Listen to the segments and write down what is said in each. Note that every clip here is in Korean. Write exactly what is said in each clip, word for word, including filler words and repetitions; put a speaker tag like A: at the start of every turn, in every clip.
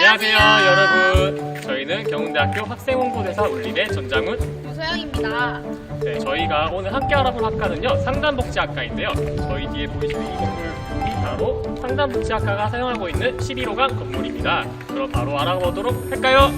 A: 안녕하세요, 여러분. 저희는 경운대학교 학생홍보대사 울림의 전장훈,
B: 유소영입니다.
A: 네, 저희가 오늘 함께 알아볼 학과는요, 상담복지학과인데요. 저희 뒤에 보이시는 이 건물이 바로 상담복지학과가 사용하고 있는 십일 호강 건물입니다. 그럼 바로 알아보도록 할까요?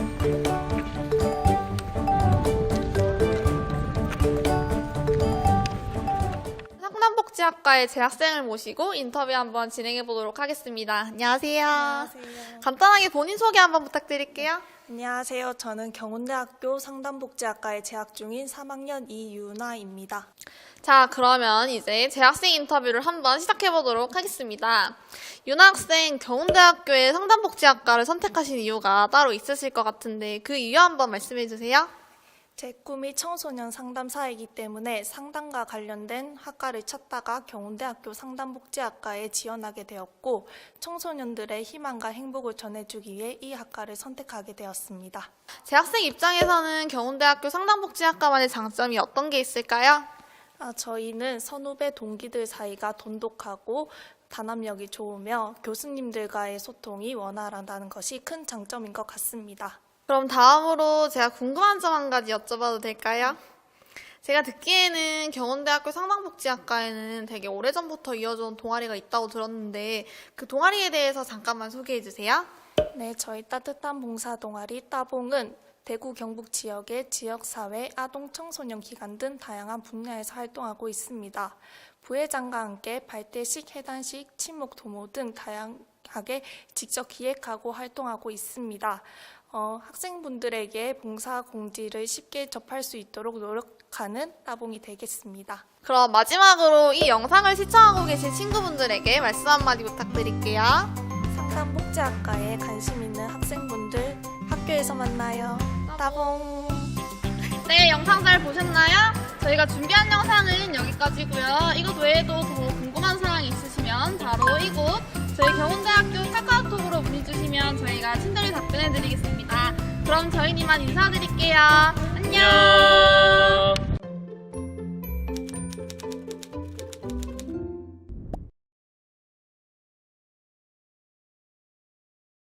B: 상담복지학과의 재학생을 모시고 인터뷰 한번 진행해 보도록 하겠습니다. 안녕하세요.
C: 안녕하세요.
B: 간단하게 본인 소개 한번 부탁드릴게요.
C: 안녕하세요. 저는 경운대학교 상담복지학과에 재학 중인 삼 학년 이유나입니다.
B: 자, 그러면 이제 재학생 인터뷰를 한번 시작해 보도록 하겠습니다. 유나 학생, 경운대학교의 상담복지학과를 선택하신 이유가 따로 있으실 것 같은데 그 이유 한번 말씀해 주세요.
C: 제 꿈이 청소년 상담사이기 때문에 상담과 관련된 학과를 찾다가 경운대학교 상담복지학과에 지원하게 되었고 청소년들의 희망과 행복을 전해주기 위해 이 학과를 선택하게 되었습니다.
B: 재학생 입장에서는 경운대학교 상담복지학과만의 장점이 어떤 게 있을까요?
C: 아, 저희는 선후배 동기들 사이가 돈독하고 단합력이 좋으며 교수님들과의 소통이 원활하다는 것이 큰 장점인 것 같습니다.
B: 그럼 다음으로 제가 궁금한 점 한 가지 여쭤봐도 될까요? 제가 듣기에는 경운대학교 상담복지학과에는 되게 오래전부터 이어져온 동아리가 있다고 들었는데 그 동아리에 대해서 잠깐만 소개해 주세요.
C: 네, 저희 따뜻한 봉사 동아리 따봉은 대구 경북 지역의 지역사회, 아동 청소년 기관 등 다양한 분야에서 활동하고 있습니다. 부회장과 함께 발대식, 해단식, 친목 도모 등 다양하게 직접 기획하고 활동하고 있습니다. 어, 학생분들에게 봉사 공지를 쉽게 접할 수 있도록 노력하는 따봉이 되겠습니다.
B: 그럼 마지막으로 이 영상을 시청하고 계신 친구분들에게 말씀 한마디 부탁드릴게요.
C: 상담복지학과에 관심 있는 학생분들 학교에서 만나요. 따봉!
B: 네, 영상 잘 보셨나요? 저희가 준비한 영상은 여기까지고요. 이것 외에도 더 궁금한 사항이 있으시면 바로 이곳 저희 경운대학교 카카오톡으로 문의 주시면 저희가 친절히 답변해 드리겠습니다. 그럼 저희는 이만 인사드릴게요. 안녕!
A: 안녕.